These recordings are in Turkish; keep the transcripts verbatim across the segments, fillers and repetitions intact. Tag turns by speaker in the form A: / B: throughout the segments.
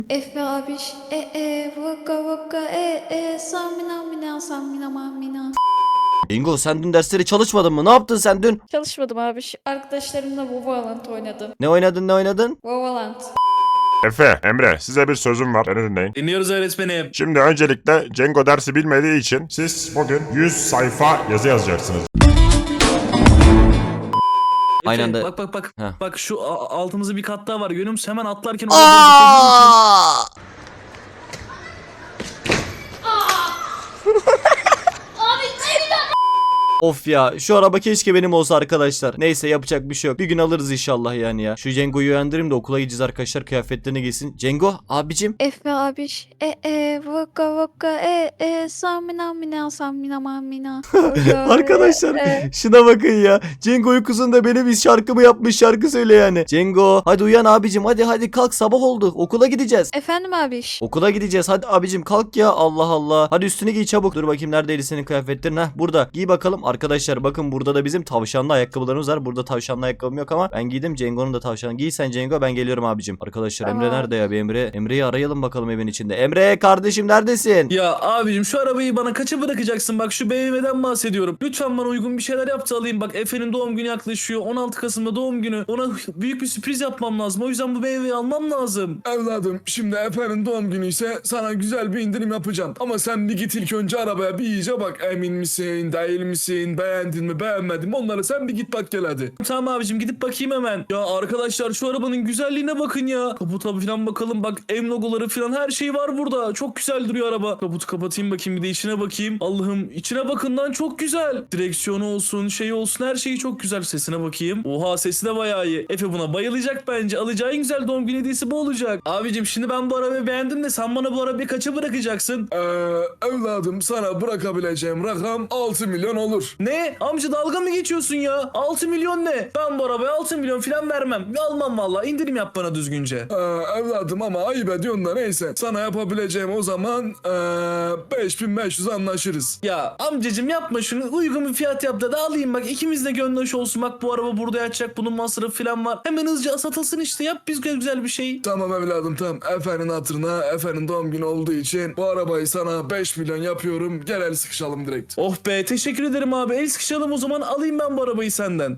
A: Efe abiş e e vaka vaka e e samina mina samina mamina.
B: Bingo, sen dün dersleri çalışmadın mı? Ne yaptın sen dün?
A: Çalışmadım abiş. Arkadaşlarımla Valorant oynadım.
B: Ne oynadın ne oynadın?
A: Valorant.
C: Efe, Emre, size bir sözüm var. Beni dinleyin.
D: Dinliyoruz öğretmenim.
C: Şimdi öncelikle Cengo dersi bilmediği için siz bugün yüz sayfa yazı yazacaksınız.
B: Aynı
D: Efe,
B: anda-
D: Bak bak bak.
B: Heh.
D: Bak şu a- altımızda bir kat daha var. Görüyor musun? Hemen atlarken oraya doğru zıpladığın için-
B: Of ya, şu araba keşke benim olsa arkadaşlar. Neyse, yapacak bir şey yok. Bir gün alırız inşallah yani ya. Şu Cengo'yu uyandırayım da okula gideceğiz arkadaşlar, kıyafetlerini giysin. Cengo abicim.
A: Efe abiş e e vaka vaka e e samina mina samina mamina.
B: Arkadaşlar şuna bakın ya. Cengo uykusunda benim bir şarkımı yapmış, şarkı söyle yani. Cengo hadi uyan abicim, hadi hadi kalk, sabah oldu, okula gideceğiz.
A: Efendim abiş.
B: Okula gideceğiz, hadi abicim kalk ya, Allah Allah. Hadi üstünü giy çabuk. Dur bakayım, neredeydi senin kıyafetlerin? Heh, burada. Giy bakalım. Arkadaşlar bakın, burada da bizim tavşanlı ayakkabılarımız var. Burada tavşanlı ayakkabım yok ama ben giydim. Cengo'nun da tavşanı. Giy sen Cengo, ben geliyorum abicim. Arkadaşlar Emre
A: Tamam.
B: nerede ya? Bir Emre. Emre'yi arayalım bakalım evin içinde. Emre kardeşim, neredesin?
D: Ya abicim şu arabayı bana kaça bırakacaksın? Bak şu B M W'den bahsediyorum. Lütfen bana uygun bir şeyler yap da alayım. Bak Efe'nin doğum günü yaklaşıyor. on altı Kasım'da doğum günü. Ona büyük bir sürpriz yapmam lazım. O yüzden bu B M W'yi almam lazım.
E: Evladım şimdi Efe'nin doğum günü ise sana güzel bir indirim yapacağım. Ama sen bir git ilk önce arabaya bir iyice bak. Emin misin, değil misin, beğendin mi, beğenmedin mi? Onları sen bir git bak gel hadi.
D: Tamam abicim, gidip bakayım hemen. Ya arkadaşlar şu arabanın güzelliğine bakın ya. Kaputa falan bakalım. Bak M logoları falan her şey var burada. Çok güzel duruyor araba. Kaputu kapatayım bakayım, bir de içine bakayım. Allah'ım, içine bakın lan, çok güzel. Direksiyonu olsun, şey olsun, her şeyi çok güzel. Sesine bakayım. Oha, sesi de bayağı iyi. Efe buna bayılacak bence. Alacağı en güzel doğum günü hediyesi bu olacak. Abicim şimdi ben bu arabayı beğendim de sen bana bu arabayı kaça bırakacaksın?
E: Ee, evladım sana bırakabileceğim rakam altı milyon olur.
D: Ne? Amca dalga mı geçiyorsun ya? altı milyon ne? Ben bu arabaya altı milyon falan vermem. Almam vallahi. İndirim yap bana düzgünce.
E: Ee, evladım ama ayıp ediyorsun da neyse. Sana yapabileceğim o zaman ee, beş bin beş yüz anlaşırız.
D: Ya amcacım yapma şunu. Uygun bir fiyat yap da, da alayım bak. İkimiz de gönlü hoş olsun. Bak bu araba burada yatacak. Bunun masrafı falan var. Hemen hızlıca satılsın işte. Yap biz güzel bir şey.
E: Tamam evladım tamam. Efe'nin hatırına Efe'nin doğum günü olduğu için bu arabayı sana beş milyon yapıyorum. Gel el sıkışalım direkt.
D: Oh be, teşekkür ederim abi. El sıkışalım o zaman, alayım ben bu arabayı senden.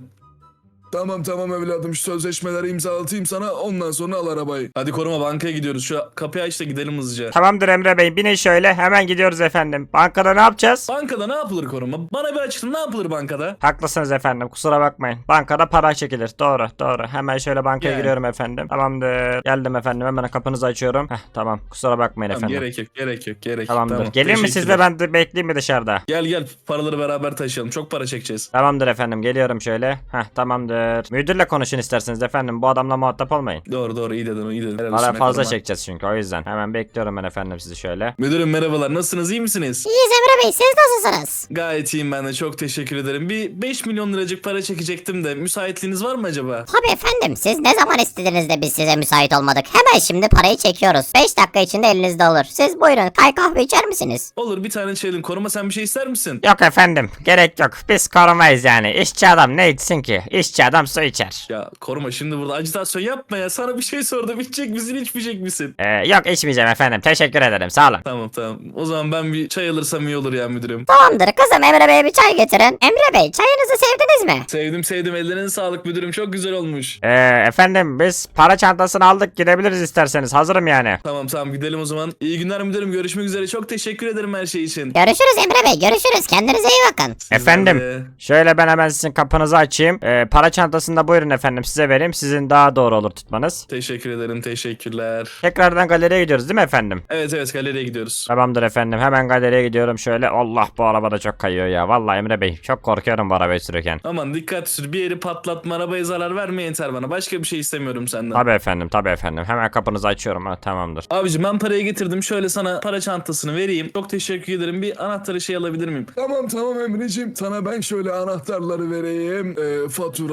E: Tamam tamam evladım şu sözleşmeleri imzalatayım sana ondan sonra al arabayı.
D: Hadi koruma, bankaya gidiyoruz. Şu kapıyı aç da gidelim hızlıca.
F: Tamamdır Emre Bey, binin şöyle, hemen gidiyoruz efendim. Bankada ne yapacağız?
D: Bankada ne yapılır koruma? Bana bir açıkla, ne yapılır bankada?
F: Haklısınız efendim, kusura bakmayın. Bankada para çekilir. Doğru doğru. Hemen şöyle bankaya
D: Gel.
F: giriyorum efendim. Tamamdır. Geldim efendim, hemen kapınızı açıyorum. Heh, tamam, kusura bakmayın
D: Tamam,
F: efendim.
D: gerek yok, gerek yok, gerek yok.
F: Tamamdır.
D: Tamam,
F: Gelin mi siz de,
D: teşekkürler.
F: ben de bekleyeyim mi dışarıda?
D: Gel gel, paraları beraber taşıyalım. Çok para çekeceğiz.
F: Tamamdır efendim, geliyorum şöyle. Heh, tamamdır. Müdürle konuşun isterseniz efendim, bu adamla muhatap olmayın.
D: Doğru doğru, iyi dedin, iyi dedin. Helal
F: Para
D: olsun,
F: fazla
D: koruma.
F: çekeceğiz çünkü, o yüzden. Hemen bekliyorum ben efendim sizi şöyle.
D: Müdürüm merhabalar, nasılsınız, iyi misiniz?
G: İyiyiz Emre Bey, siz nasılsınız?
D: Gayet iyiyim ben de, çok teşekkür ederim. Bir beş milyon liracık para çekecektim de, müsaitliğiniz var mı acaba?
G: Tabii efendim, siz ne zaman istediniz de biz size müsait olmadık. Hemen şimdi parayı çekiyoruz. beş dakika içinde elinizde olur. Siz buyurun, kay kahve içer misiniz?
D: Olur, bir tane içelim. Koruma, sen bir şey ister misin?
F: Yok efendim, gerek yok. Biz korumayız yani. İşçi adam ne içsin ki? İşçi adam su içer.
D: Ya koruma, şimdi burada acitasyon yapma ya. Sana bir şey sordum, içecek misin içmeyecek misin?
F: Ee, yok içmeyeceğim efendim. Teşekkür ederim. Sağ olun.
D: Tamam tamam. O zaman ben bir çay alırsam iyi olur ya müdürüm.
G: Tamamdır kızım, Emre Bey'e bir çay getirin. Emre Bey, çayınızı sevdiniz mi?
D: Sevdim sevdim, ellerine sağlık müdürüm, çok güzel olmuş.
F: Ee, efendim biz para çantasını aldık, gidebiliriz isterseniz. Hazırım yani.
D: Tamam tamam, gidelim o zaman. İyi günler müdürüm, görüşmek üzere. Çok teşekkür ederim her şey için.
G: Görüşürüz Emre Bey, görüşürüz. Kendinize iyi bakın.
D: Sizler
F: Efendim
D: de.
F: şöyle ben hemen sizin kapınızı açayım. Ee, para çantasını da buyurun efendim size vereyim. Sizin daha doğru olur tutmanız.
D: Teşekkür ederim, teşekkürler.
F: Tekrardan galeriye gidiyoruz değil mi efendim?
D: Evet evet, galeriye gidiyoruz.
F: Tamamdır efendim, hemen galeriye gidiyorum şöyle. Allah, bu araba da çok kayıyor ya. Vallahi Emre Bey, çok korkuyorum bu arabayı sürerken.
D: Aman dikkat sür, bir yeri patlatma, arabaya zarar verme yeter bana. Başka bir şey istemiyorum senden.
F: Tabii efendim, tabii efendim. Hemen kapınızı açıyorum. Ha, tamamdır.
D: Abicim ben parayı getirdim. Şöyle sana para çantasını vereyim. Çok teşekkür ederim. Bir anahtarı şey alabilir miyim?
E: Tamam tamam Emreciğim sana ben şöyle anahtarları vereyim. Ee, fatura,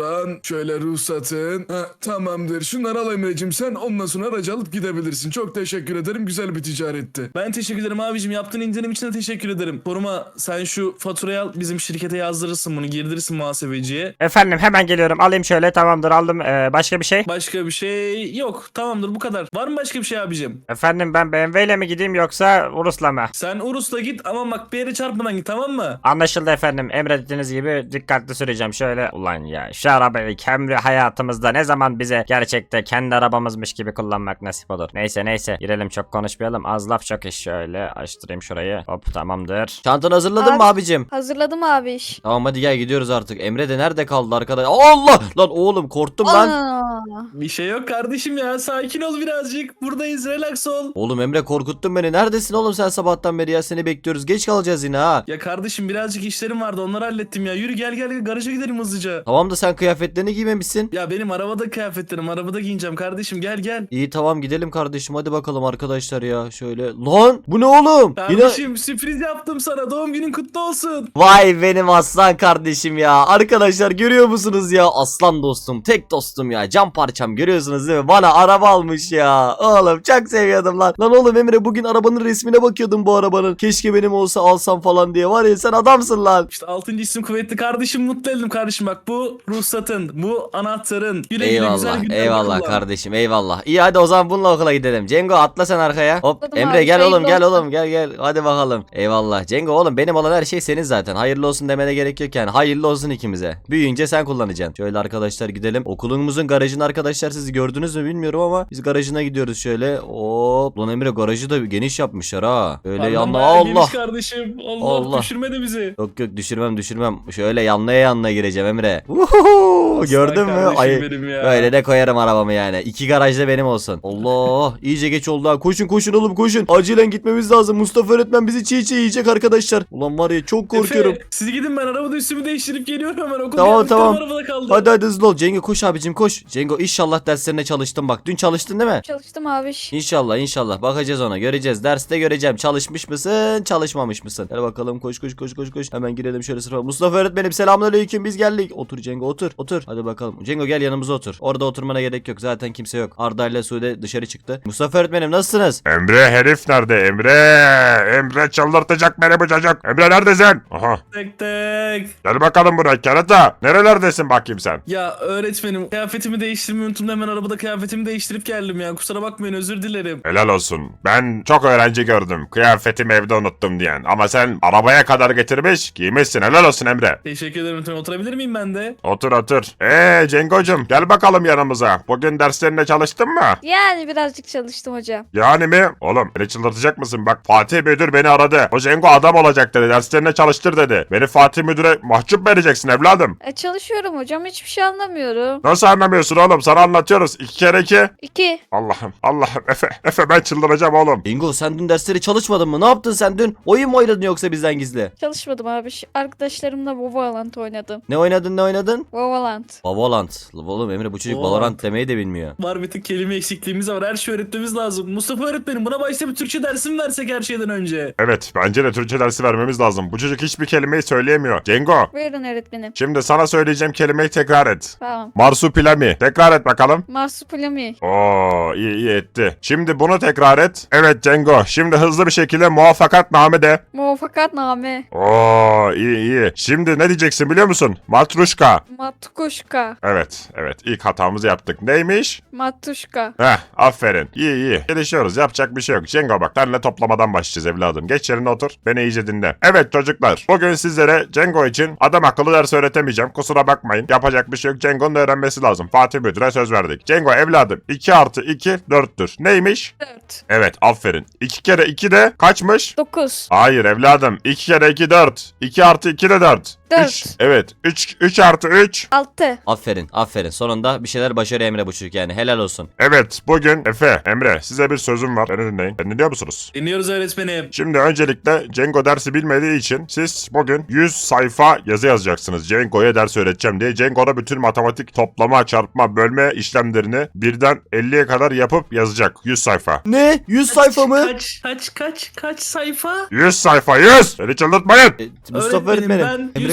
E: Şuradan şöyle ruhsatın. Ha, tamamdır. Şunları al Emre'cim sen. Ondan sonra aracı alıp gidebilirsin. Çok teşekkür ederim. Güzel bir ticaretti.
D: Ben teşekkür ederim abicim. Yaptığın indirim için de teşekkür ederim. Koruma sen şu faturayı al bizim şirkete yazdırırsın bunu. Girdirirsin muhasebeciye.
F: Efendim hemen geliyorum. Alayım şöyle, tamamdır aldım. Ee, başka bir şey?
D: Başka bir şey yok. Tamamdır bu kadar. Var mı başka bir şey abicim?
F: Efendim ben B M W ile mi gideyim yoksa Urus'la mı?
D: Sen Urus'la git ama bak bir yere çarpmadan git, tamam mı?
F: Anlaşıldı efendim. Emrettiğiniz gibi dikkatli süreceğim. Şöyle ulan ya şu arabayı kendi hayatımızda ne zaman bize gerçekte kendi arabamızmış gibi kullanmak nasip olur. Neyse neyse girelim, çok konuşmayalım. Az laf çok iş. Şöyle açtırayım şurayı. Hop tamamdır.
B: Çantanı hazırladın mı
A: Abi-
B: abicim?
A: Hazırladım abi iş.
B: Tamam hadi gel gidiyoruz artık. Emre de nerede kaldı arkadaş? Allah! Lan oğlum korktum lan.
A: Ana.
D: Bir şey yok kardeşim ya. Sakin ol birazcık. Buradayız. Relax ol.
B: Oğlum Emre korkuttun beni. Neredesin oğlum sen sabahtan beri ya? Seni bekliyoruz. Geç kalacağız yine ha.
D: Ya kardeşim birazcık işlerim vardı. Onları hallettim ya. Yürü gel gel garaja gidelim hızlıca.
B: Tamam da sen kıyafetlerini giymemişsin.
D: Ya benim arabada kıyafetlerim. Arabada giyineceğim kardeşim. Gel gel.
B: İyi tamam gidelim kardeşim. Hadi bakalım arkadaşlar ya. Şöyle. Lan bu ne oğlum? Yine...
D: Kardeşim sürpriz yaptım sana. Doğum günün kutlu olsun.
B: Vay benim aslan kardeşim ya. Arkadaşlar görüyor musunuz ya? Aslan dostum. Tek dostum ya. Can parçam görüyorsunuz değil mi? Bana araba almış ya. Oğlum çok seviyordum lan. Lan oğlum Emre bugün arabanın resmine bakıyordum bu arabanın. Keşke benim olsa alsam falan diye. Var ya sen adamsın lan.
D: İşte altıncı isim kuvvetli kardeşim, mutlu ettim kardeşim, bak bu ruhsatın, bu anahtarın. Güle güle güzel
B: Eyvallah
D: günler
B: eyvallah
D: kullan.
B: kardeşim eyvallah. İyi hadi o zaman bununla okula gidelim. Cengo atla sen arkaya. Hop
A: Atladım
B: Emre
A: abi,
B: gel oğlum
A: hayırlı
B: gel
A: olsun.
B: oğlum gel gel. Hadi bakalım. Eyvallah. Cengo oğlum benim olan her şey senin zaten. Hayırlı olsun demene gerek yok yani. Hayırlı olsun ikimize. Büyüyünce sen kullanacaksın. Şöyle arkadaşlar gidelim. Okulumuzun garajını arkadaşlar siz gördünüz mü bilmiyorum ama biz garajına gidiyoruz şöyle. Hop. Lan Emre garajı da geniş yapmışlar ha. Böyle
D: Pardon,
B: yanına
D: bayağı
B: Allah.
D: geniş kardeşim. Allah,
B: Allah.
D: düşürme de bizi.
B: Yok yok düşürmem düşürmem. Şöyle yanlaya yanlaya gireceğim Emre. Uhuhu, gördün mü?
D: Aslan
B: Ay,
D: kardeşim benim ya.
B: böyle de koyarım arabamı yani. İki garajda benim olsun. Allah iyice geç oldu ha. Koşun koşun oğlum koşun. Acilen gitmemiz lazım. Mustafa öğretmen bizi çiğ çiğ yiyecek arkadaşlar. Ulan var ya çok korkuyorum.
D: Efe, siz gidin, ben arabada üstümü değiştirip geliyorum hemen. Okul
B: Tamam,
D: kıyafetlerim
B: tamam.
D: arabada kaldı.
B: Hadi hadi hızlı ol. Cengo koş abicim koş. Cengo inşallah derslerine çalıştın bak. Dün çalıştın değil mi?
A: Çalıştım abi iş.
B: İnşallah inşallah bakacağız ona göreceğiz derste göreceğim çalışmış mısın çalışmamış mısın. Hadi bakalım koş koş koş koş koş hemen girelim şöyle sınıfa. Mustafa öğretmenim selamünaleyküm biz geldik. Otur Cengo otur otur hadi bakalım. Cengo gel yanımıza otur. Orada oturmana gerek yok zaten kimse yok. Arda ile Sude dışarı çıktı. Mustafa öğretmenim nasılsınız?
C: Emre herif nerede? Emre! Emre çıldırtacak beni bu çocuk. Emre neredesin? Aha.
D: Tek tek.
C: Gel bakalım buraya kerata. Nerelerdesin bakayım sen?
D: Ya öğretmenim kıyafetimi değiştirmeyi unuttum da hemen arabada kıyafetimi değiştirip geldim ya. Kusura bakmayın, özür dilerim.
C: Helal olsun. Ben çok öğrenci gördüm. Kıyafetimi evde unuttum diyen. Ama sen arabaya kadar getirmiş giymişsin. Helal olsun Emre.
D: Teşekkür ederim öğretmenim. Oturabilir miyim ben de?
C: Otur otur. Eee Cengocum gel bakalım yanımıza. Bugün derslerine çalıştın mı?
A: Yani birazcık çalıştım hocam.
C: Yani mi? Oğlum beni çıldırtacak mısın? Bak Fatih Müdür beni aradı. O Cengo adam olacak dedi. Derslerine çalıştır dedi. Beni Fatih Müdür'e mahcup vereceksin evladım.
A: E, çalışıyorum hocam, hiçbir şey anlamıyorum.
C: Nasıl anlamıyorsun oğlum? Sana anlatıyoruz. İki kere iki.
A: İki.
C: Allah'ım Allah'ım Efe. Efe ben çıldıracağım oğlum.
B: Cengo sen dün dersleri çalışmadın mı? Ne yaptın sen dün? Oyun mu oynadın yoksa bizden gizli?
A: Çalışmadım abi. Arkadaşlarımla Valorant oynadım.
B: Ne oynadın ne oynadın?
A: Valorant.
B: Valorant. Oğlum Emre bu çocuk
D: Valorant.
B: Valorant demeyi de bilmiyor.
D: Var bir tık kelime eksikliğimiz var. Her şey öğretmemiz lazım. Mustafa öğretmenim buna başta bir Türkçe dersi mi versek her şeyden önce?
C: Evet bence de Türkçe dersi vermemiz lazım. Bu çocuk hiçbir kelimeyi söyleyemiyor. Cengo.
A: Buyurun öğretmenim.
C: Şimdi sana söyleyeceğim kelimeyi tekrar et.
A: Tamam.
C: Marsupilami. Tekrar et bakalım.
A: Marsupilami.
C: Oo iyi iyi etti. Şimdi bunu tekrar et. Evet Cengo. Şimdi hızlı bir şekilde muvaffakatname de.
A: Muvaffakatname.
C: Oo iyi iyi. Şimdi ne diyeceksin biliyor musun? Matruşka.
A: Matkuşka.
C: Evet evet ilk hatamızı yaptık. Neymiş?
A: Matuşka.
C: Heh aferin. İyi iyi. Gelişiyoruz yapacak bir şey yok. Cengo bak senle toplamadan başlayacağız evladım. Geç yerine otur. Beni iyice dinle. Evet çocuklar. Bugün sizlere Cengo için adam akıllı ders öğretemeyeceğim. Kusura bakmayın. Yapacak bir şey yok. Cengo'nun öğrenmesi lazım. Fatih Müdür'e söz verdik. Cengo evladım iki artı iki dörttür. Neymiş?
A: Dört.
C: Evet aferin. iki kere iki de kaçmış?
A: Dokuz.
C: Hayır evladım. iki kere iki dört. iki artı iki de dört.
A: Dört.
C: üç. Evet. üç, üç artı üç.
A: Altı.
B: Aferin aferin. Sonunda bir şeyler başarıyor Emre bu çocuk yani. Helal olsun.
C: Evet bugün Efe, Emre size bir sözüm var. Beni dinleyin. Beni dinliyor musunuz?
D: Dinliyoruz öğretmenim.
C: Şimdi öncelikle Cengo dersi bilmediği için siz bugün yüz sayfa yazı yazacaksınız. Cengo'ya ders öğreteceğim diye. Cengo'da bütün matematik toplama, çarpma, bölme işlemlerini birden elliye kadar yapıp yazacak. yüz sayfa.
B: Ne? yüz sayfa mı?
D: Kaç kaç kaç kaç sayfa?
C: yüz sayfa yüz! Beni çıldırtmayın!
B: E, Mustafa
D: Öğretmenim,
B: öğretmenim.
D: ben
B: Emre
D: yüz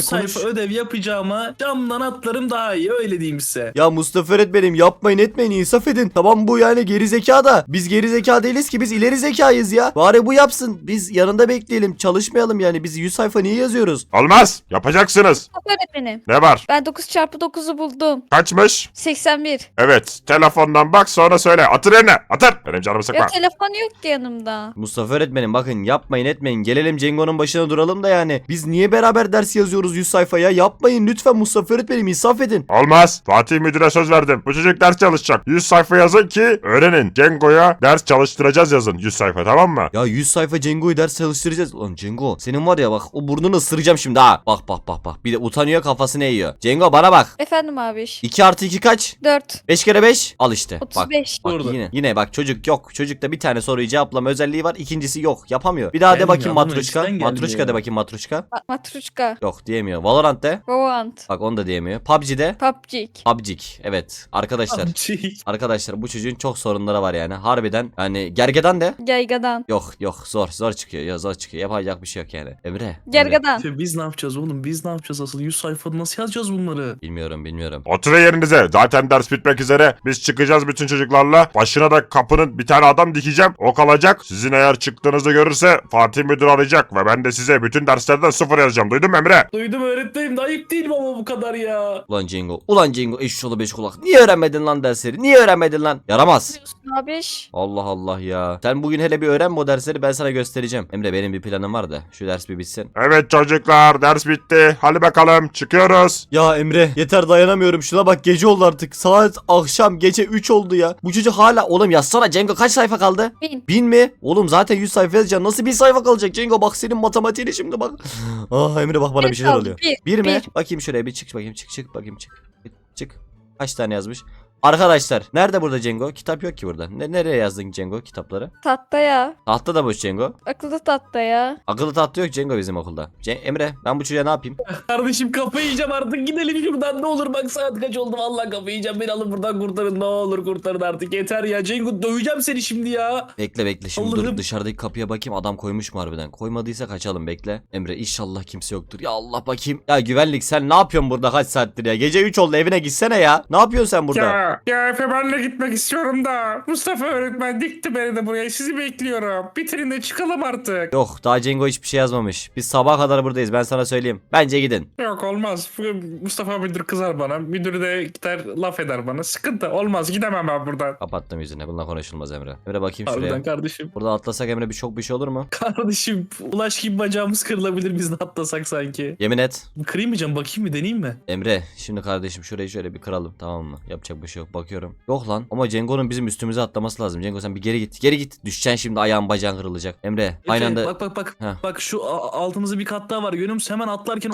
B: konuş.
D: sayfa ödev yapacağıma camdan atlarım daha iyi, öyle diyeyim size.
B: Ya Mustafa öğretmenim yapmayın etmeyin insaf edin. Tamam bu yani geri zeka da. Biz geri zeka değiliz ki biz ileri zekayız ya. Bari bu yapsın. Biz yanında bekleyelim çalışmayalım yani. Biz yüz sayfa niye yazıyoruz?
C: Olmaz. Yapacaksınız.
A: Öğretmenim.
C: Ne var?
A: Ben dokuz çarpı dokuzu buldum.
C: Kaçmış?
A: seksen bir.
C: Evet. Telefondan bak sonra söyle. Atır yerine. Atır. Benim canımı sıkma.
A: Ya telefon yok ki yanımda.
B: Mustafa öğretmenim bakın yapmayın etmeyin. Gelelim Cengo'nun başına duralım da yani. Biz niye beraber ders yazıyoruz yüz sayfaya? Yapmayın lütfen Mustafa öğretmenim insaf edin.
C: Olmaz. Fatih müdüre söz verdim. Bu çocuk ders çalışacak. yüz sayfa yazın ki öğrenin. Cengo'ya ders çalıştıracağız yazın. yüz sayfa tamam mı?
B: Ya yüz sayfa Cengo'yu ders çalıştıracağız. Lan Cengo senin var ya bak o burnunu ısıracağım şimdi ha. Bak bak bak bak. Bir de utanıyor kafasını eğiyor. Cengo bana bak.
A: Efendim abiş.
B: iki artı iki kaç?
A: dört.
B: beş kere beş al işte. Bak.
A: otuz beş.
B: Bak
D: Orada.
B: yine yine bak çocuk yok. Çocukta bir tane soruyu cevaplama özelliği var. İkincisi yok. Yapamıyor. Bir daha de
D: Gelmiyor,
B: bakayım
D: adamın
B: matruşka.
D: içinden gelmiyor
B: Matruşka
D: ya.
B: de bakayım matruşka.
A: Ma- Matruşka.
B: Yok diyemiyor. Valorant de.
A: Valorant.
B: Bak onu da diyemiyor. P U B G'de.
A: P U B G.
B: P U B G. Evet. Arkadaşlar.
D: Amcik.
B: Arkadaşlar bu çocuğun çok sorunları var yani. Harbiden yani gergedan de.
A: Gergadan.
B: Yok yok zor zor çıkıyor. Ya zor çıkıyor. Yapacak bir şey yok yani. Emre. Emre.
A: Gergadan.
D: Ya biz ne yapacağız oğlum? Biz ne yapacağız asıl? yüz sayfada nasıl yazacağız bunları?
B: Bilmiyorum bilmiyorum.
C: Oturun yerinize. Zaten ders bitmek üzere. Biz çıkacağız bütün çocuklarla. Başına da kapının bir tane adam dikeceğim. O kalacak. Sizin eğer çıktığınızı görürse Fatih müdür arayacak. Ve ben de size bütün derslerden sıfır yazacağım. Duydun mu Emre?
D: Duydum öğretmenim de ayıp değil mi ama bu kadar ya?
B: Ulan Cengo. Ulan Cengo eşşoğlu beş kulak. Niye öğrenmedin lan dersleri? Niye öğrenmedin lan? Yaramaz.
A: Diyorsun abiş.
B: Allah Allah ya. Sen bugün hele bir öğren bu dersleri ben sana göstereceğim. Emre benim bir planım var da şu ders bir bitsin.
C: Evet çocuklar ders bitti. Hadi bakalım çıkıyoruz.
B: Ya Emre yeter dayanamıyorum. Şuna bak gece oldu artık. Saat akşam gece üç oldu ya. Bu çocuk hala oğlum yazsana Cengo kaç sayfa kaldı?
A: Bin.
B: Bin mi? Oğlum zaten yüz sayfa yazacaksın. Nasıl bir sayfa kalacak Cengo? Bak senin matematiğine şimdi bak. Ah Emre bak bana
A: Bir
B: bir şeyler
A: kaldı,
B: oluyor.
A: bir,
B: Bir mi?
A: bir.
B: Bakayım şuraya bir çık bakayım çık çık bakayım çık. Çık. Kaç tane yazmış? Arkadaşlar nerede burada Cengo? Kitap yok ki burada. Ne, nereye yazdın Cengo kitapları?
A: Tahta ya.
B: Tahta da boş Cengo.
A: Akıllı tahta ya.
B: Akıllı tahta yok Cengo bizim okulda. Ce- Emre ben bu çocuğa ne yapayım?
D: Kardeşim kafayı yiyeceğim artık, gidelim şuradan ne olur, bak saat kaç oldu, vallahi kafayı yiyeceğim, beni alın buradan kurtarın, ne olur kurtarın artık, yeter ya Cengo, döveceğim seni şimdi ya.
B: Bekle bekle şimdi dur
D: Allah'ım.
B: dışarıdaki kapıya bakayım adam koymuş mu harbiden? Koymadıysa kaçalım bekle. Emre inşallah kimse yoktur. Ya Allah bakayım. Ya güvenlik sen ne yapıyorsun burada kaç saattir ya? Gece üç oldu evine gitsene ya. Ne yapıyorsun sen burada?
H: Ya, ya Efe benle gitmek istiyorum da. Mustafa öğretmen dikti beni de buraya. Sizi bekliyorum. Bitirin de çıkalım artık.
B: Yok daha Cengo hiçbir şey yazmamış. Biz sabaha kadar buradayız ben sana söyleyeyim. Bence gidin.
H: Yok olmaz. Mustafa müdür kızar bana. Müdür de gider laf eder bana. Sıkıntı olmaz. Gidemem ben buradan.
B: Kapattım yüzünü. Bununla konuşulmaz Emre. Emre bakayım şuraya.
D: Harbiden kardeşim.
B: Burada atlasak Emre bir çok bir şey olur mu?
D: Kardeşim ulaş gibi bacağımız kırılabilir biz de atlasak sanki.
B: Yemin et.
D: Kırayım mı canım, bakayım mı, deneyeyim mi?
B: Emre şimdi kardeşim şurayı şöyle bir kıralım tamam mı? Yapacak bir şey yok bakıyorum. Yok lan ama Cengo'nun bizim üstümüze atlaması lazım. Cengo sen bir geri git. Geri git. Düşeceksin şimdi ayağın bacağın kırılacak. Emre aynı
D: Efe,
B: anda.
D: Bak bak bak.
B: Heh.
D: Bak şu a- altımızda bir kat daha var, görüyor musun? Hemen atlarken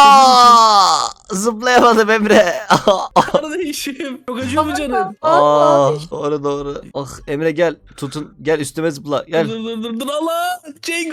B: Aa! Zıplayamadım Emre.
D: Kardeşim çok acıyor mu canım?
B: Aa, doğru doğru. Ah Emre gel. Tutun. Gel üstüme zıpla. Gel.
D: Dur dur dur dur Allah! Cengo!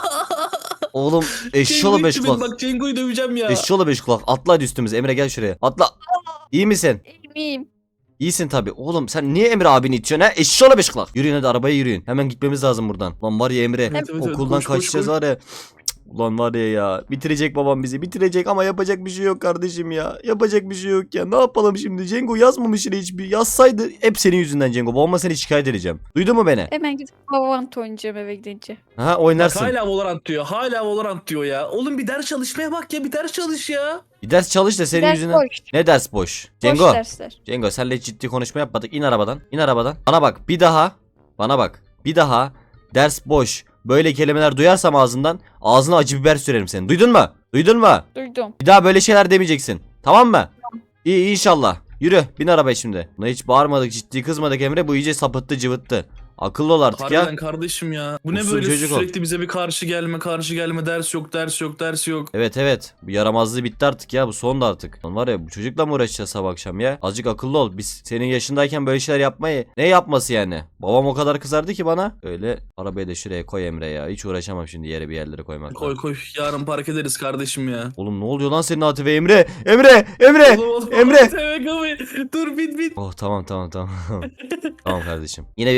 B: Oğlum eşşoğlu
D: Cengo
B: beş
D: itti beni,
B: kulak.
D: bak Cengo'yu döveceğim ya.
B: Eşşoğlu beş kulak. Atla hadi üstümüze. Emre gel şuraya. Atla. İyi misin?
A: İyiyim.
B: İyisin tabi. Oğlum sen niye Emre abini itiyorsun ha? Eşşoğlu beş kulak. Yürüyün hadi arabaya yürüyün. Hemen gitmemiz lazım buradan. Lan var ya Emre.
D: Evet, evet, evet.
B: Okuldan
D: Koş, koş,
B: kaçacağız
D: koş.
B: var ya. Cık, Ulan var ya ya. Bitirecek babam bizi. Bitirecek ama yapacak bir şey yok kardeşim ya. Yapacak bir şey yok ya. Ne yapalım şimdi? Cengo yazmamış yine hiçbir. Yazsaydı hep senin yüzünden Cengo. Babama seni şikayet edeceğim. Duydun mu beni?
A: Hemen gidip Valorant oynayacağım eve gidince.
B: Ha
D: Bak,
B: oynarsın.
D: hala Valorant diyor. Hala Valorant diyor ya. Oğlum bir ders çalışmaya bak ya. Bir ders çalış ya.
B: Bir ders çalış da senin
A: Ders
B: yüzünden.
A: boş.
B: Ne ders boş? Cengo.
A: Boş dersler.
B: Cengo senle ciddi konuşma yapmadık. İn arabadan. İn arabadan. Bana bak bir daha. Bana bak. Bir daha ders boş. Böyle kelimeler duyarsam ağzından ağzına acı biber sürerim senin. Duydun mu? Duydun mu?
A: Duydum.
B: Bir daha böyle şeyler demeyeceksin. Tamam mı? İyi inşallah. Yürü bin arabaya şimdi. Buna hiç bağırmadık ciddi kızmadık Emre. Bu iyice sapıttı cıvıttı. Akıllı ol artık
D: Harbiden
B: ya.
D: kardeşim ya. Bu ne
B: Usul
D: böyle
B: çocuk ol.
D: sürekli bize bir karşı gelme karşı gelme, ders yok ders yok ders yok.
B: Evet evet. Bu yaramazlığı bitti artık ya. Bu son da artık. Lan var ya bu çocukla mı uğraşacağız sabah akşam ya? Azıcık akıllı ol. Biz senin yaşındayken böyle şeyler yapmayı. Ne yapması yani? Babam o kadar kızardı ki bana. Öyle arabayı da şuraya koy Emre ya. Hiç uğraşamam şimdi yere bir yerlere koymakla.
D: Koy koy, yarın park ederiz kardeşim ya.
B: Oğlum ne oluyor lan senin Atife Emre? Emre! Emre!
D: Oğlum, oğlum,
B: Emre!
D: Dur bin bin.
B: Oh tamam tamam tamam. Tamam kardeşim. Yine bir patlama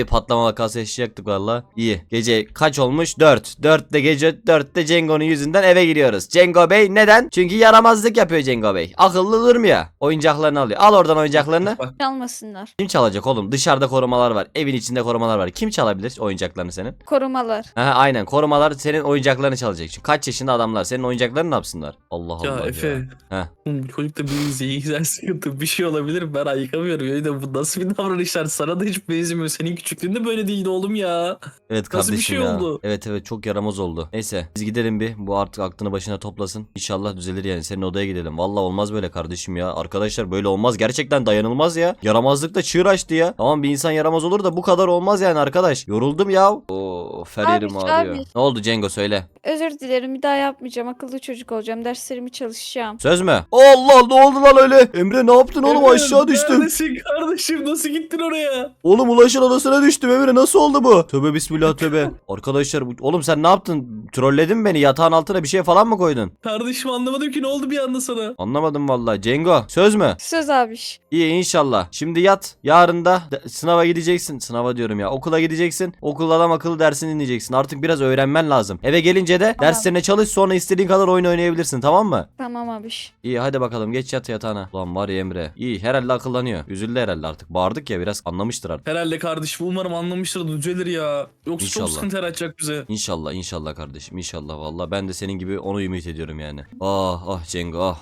B: vakası yaşayacaktık valla. İyi. Gece kaç olmuş? dört. dörtte gece dörtte Cengo'nun yüzünden eve giriyoruz. Cengo Bey neden? Çünkü yaramazlık yapıyor Cengo Bey. Akıllı durmuyor. Oyuncaklarını alıyor. Al oradan oyuncaklarını.
A: Çalmasınlar.
B: Kim çalacak oğlum? Dışarıda korumalar var. Evin içinde korumalar var. Kim çalabilir oyuncaklarını senin?
A: Korumalar.
B: Ha, aynen. Korumalar senin oyuncaklarını çalacak. Çünkü kaç yaşında adamlar senin oyuncaklarını ne yapsınlar? Allah
D: Ya
B: Allah
D: Efe.
B: ya. Heh.
D: Oğlum bu çocukta bir zihinsel sıkıntı bir şey olabilir. Ben ayıkamıyorum. Ya da bu nasıl bir davranışlar? Sana da hiç benzemiyor. Senin küçüklüğünde böyle değildi oğlum ya.
B: Evet
D: Nasıl bir
B: kardeşim
D: şey
B: ya.
D: oldu?
B: Evet evet çok yaramaz oldu. Neyse biz gidelim bir. Bu artık aklını başına toplasın. İnşallah düzelir yani. Senin odaya gidelim. Vallahi olmaz böyle kardeşim ya. Arkadaşlar böyle olmaz. Gerçekten dayanılmaz ya. Yaramazlıkta çığır açtı ya. Tamam bir insan yaramaz olur da bu kadar olmaz yani arkadaş. Yoruldum ya. Oo Feryar'ım
A: Abi,
B: ağrıyor.
A: abi.
B: Ne oldu Cengo söyle.
A: Özür dilerim, bir daha yapmayacağım. Akıllı çocuk olacağım. Derslerimi çalışacağım.
B: Söz mü? Allah ne oldu lan öyle? Emre ne yaptın oğlum
D: Emre,
B: aşağı düştüm.
D: Neredesin kardeşim? Nasıl gittin oraya?
B: Oğlum Ulaş'ın odasına düştüm Emre nasıl oldu bu? Tövbe bismillah tövbe. Arkadaşlar bu... oğlum sen ne yaptın? Trolledin mi beni? Yatağın altına bir şey falan mı koydun?
D: Kardeşim anlamadım ki ne oldu bir anda sana?
B: Anlamadım vallahi. Cengo söz mü?
A: Söz abiş.
B: İyi inşallah. Şimdi yat. Yarın da de- sınava gideceksin. Sınava diyorum ya. Okula gideceksin. Okulda adam akıllı dersini dinleyeceksin. Artık biraz öğrenmen lazım. Eve gelince de
A: Tamam.
B: derslerine çalış sonra istediğin kadar oyun oynayabilirsin tamam mı?
A: Tamam abiş.
B: İyi hadi bakalım geç yat yatağına. Ulan var ya Emre. İyi herhalde akıllanıyor. Üzüldü herhalde artık. Bağırdık ya biraz anlamıştır artık.
D: Herhalde kardeşim umarım anlamıştır da düzelir ya. Yoksa
B: İnşallah.
D: çok sıkıntı yaratacak bize.
B: İnşallah inşallah kardeşim inşallah valla ben de senin gibi onu ümit ediyorum yani. Ah ah Cengo ah.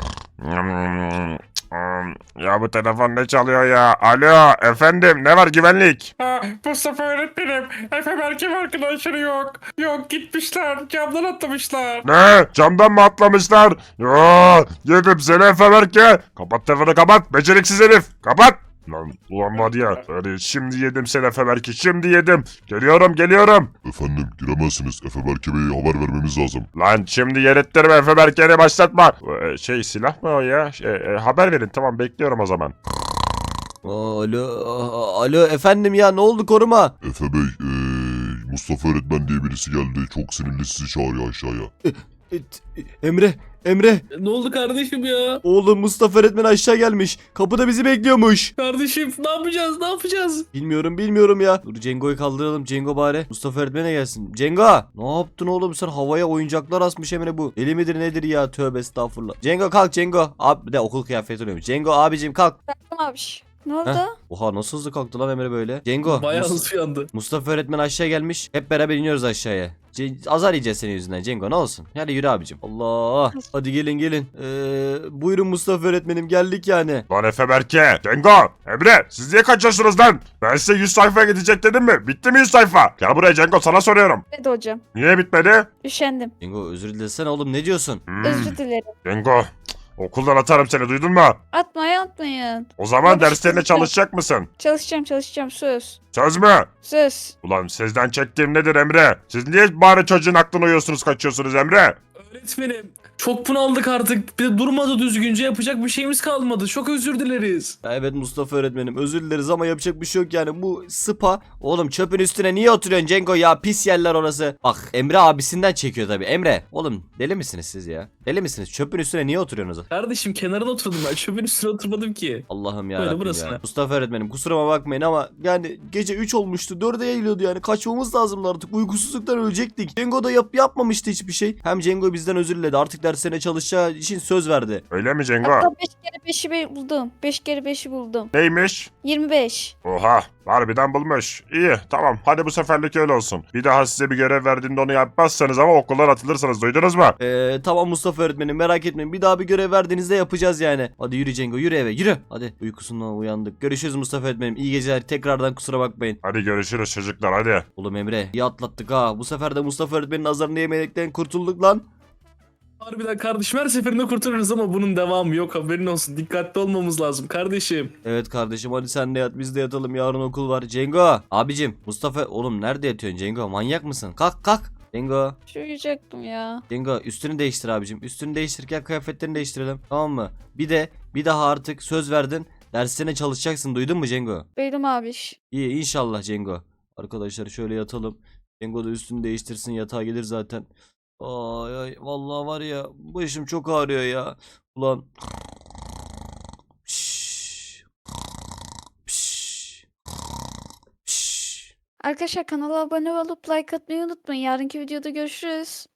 C: Ya bu telefon ne çalıyor ya? Alo efendim ne var güvenlik?
H: Ha, Mustafa öğretmenim. Efe Berk'in arkadaşları yok. Yok gitmişler. Camdan atlamışlar.
C: Ne? Camdan mı atlamışlar? Ya yedim seni Efe Berke. Kapat telefonu kapat. Beceriksiz herif. Kapat. Lan ulan var ya. Hadi şimdi yedim seni Efe Berke. Şimdi yedim. Geliyorum geliyorum.
I: Efendim giremezsiniz. Efe Berke Bey'e haber vermemiz lazım.
C: Lan şimdi yer ettirme Efe Berke'ni başlatma. Ee, Şey silah mı o ya? Şey, e, haber verin tamam bekliyorum o zaman.
B: Alo ah, alo efendim ya ne oldu koruma?
I: Efe Bey, eee, Mustafa öğretmen diye birisi geldi. Çok sinirli sizi çağırıyor aşağıya.
B: E, t- Emre Emre
D: Ne oldu kardeşim ya?
B: oğlum Mustafa öğretmen aşağı gelmiş. Kapıda bizi bekliyormuş.
D: Kardeşim ne yapacağız ne yapacağız?
B: Bilmiyorum bilmiyorum ya. Dur Cengo'yu kaldıralım. Cengo bari. Mustafa öğretmene gelsin. Cengo ne yaptın oğlum sen havaya oyuncaklar asmış Emre bu. Deli midir nedir ya tövbe estağfurullah. Cengo kalk Cengo. Abi bir de okul kıyafeti oluyormuş. Cengo abicim kalk.
A: Tamam abiş. Ne oldu?
B: Heh. Oha nasıl hızlı kalktı lan Emre böyle. Cengo.
D: Bayağı
B: Mus-
D: hızlı yandı.
B: Mustafa öğretmen aşağı gelmiş. Hep beraber iniyoruz aşağıya. Ce- azar yiyeceğiz senin yüzünden Cengo ne olsun. Hadi yürü abicim. Allah. Hadi gelin gelin. Ee, buyurun Mustafa öğretmenim geldik yani.
C: Lan Efe Berke, Cengo, Emre siz niye kaçıyorsunuz lan? Ben size yüz sayfaya gidecek dedim mi? Bitti mi yüz sayfa? Gel buraya Cengo sana soruyorum.
A: Hadi hocam.
C: Niye bitmedi?
A: Üşendim.
B: Cengo özür dilesene oğlum ne diyorsun?
C: Hmm,
A: Özür dilerim.
C: Cengo, cık, okuldan atarım seni duydun mu?
A: Atmayın atmayın.
C: O zaman
A: Tabii,
C: derslerine
A: çalışacağım.
C: çalışacak mısın?
A: Çalışacağım çalışacağım söz.
C: Söz mü?
A: Söz.
C: Ulan sizden çektiğim nedir Emre? Siz niye bari çocuğun aklına uyuyorsunuz kaçıyorsunuz Emre?
D: Öğretmenim çok bunaldık artık. Bir de durmadı düzgünce yapacak bir şeyimiz kalmadı. Çok özür dileriz.
B: Ya evet Mustafa öğretmenim özür dileriz ama yapacak bir şey yok yani bu spa. Oğlum çöpün üstüne niye oturuyorsun Cengo ya pis yerler orası. Bak Emre abisinden çekiyor tabi. Emre oğlum deli misiniz siz ya? Deli misiniz? Çöpün üstüne niye oturuyorsunuz?
D: Kardeşim kenarına oturdum ben. Çöpün üstüne oturmadım ki.
B: Allah'ım ya
D: Böyle
B: Rabbim
D: burası
B: ya.
D: ne?
B: Mustafa öğretmenim kusuruma bakmayın ama yani gece üç olmuştu. dörde yayılıyordu yani. Kaçmamız lazımdı artık. Uykusuzluktan ölecektik. Cengo da yap yapmamıştı hiçbir şey. Hem Cengo bizden özür diledi. Artık derslerine çalışacağı için söz verdi.
C: Öyle mi Cengo?
A: Hatta beş kere beşi be- buldum. beş kere beşi buldum.
C: Neymiş?
A: yirmi beş.
C: Oha harbiden bulmuş. İyi tamam hadi bu seferlik öyle olsun. Bir daha size bir görev verdiğimde onu yapmazsanız ama okuldan atılırsınız duydunuz mu?
B: Ee, tamam Mustafa öğretmenim merak etmeyin. Bir daha bir görev verdiğinizde yapacağız yani. Hadi yürü Cengo yürü eve yürü. Hadi uykusundan uyandık. Görüşürüz Mustafa öğretmenim. İyi geceler. Tekrardan kusura bakmayın.
C: Hadi görüşürüz çocuklar hadi.
B: Oğlum Emre iyi atlattık ha. Bu sefer de Mustafa öğretmenin nazarını yemekten kurtulduk lan.
D: Harbiden kardeşim her seferinde kurtarırız ama bunun devamı yok haberin olsun. Dikkatli olmamız lazım kardeşim.
B: Evet kardeşim hadi sen de yat biz de yatalım yarın okul var. Cengo abicim Mustafa oğlum nerede yatıyorsun Cengo manyak mısın? Kalk kalk. Cengo.
A: Şu uyuyacaktım ya.
B: Cengo üstünü değiştir abicim. Üstünü değiştirirken kıyafetlerini değiştirelim. Tamam mı? Bir de bir daha artık söz verdin. Derslerine çalışacaksın duydun mu Cengo?
A: Benim abiş.
B: İyi inşallah Cengo. Arkadaşlar şöyle yatalım. Cengo da üstünü değiştirsin yatağa gelir zaten. Ay ay vallahi var ya başım çok ağrıyor ya. Ulan. Şşş. Şşş. Şşş.
A: Arkadaşlar kanala abone olup like atmayı unutmayın. Yarınki videoda görüşürüz.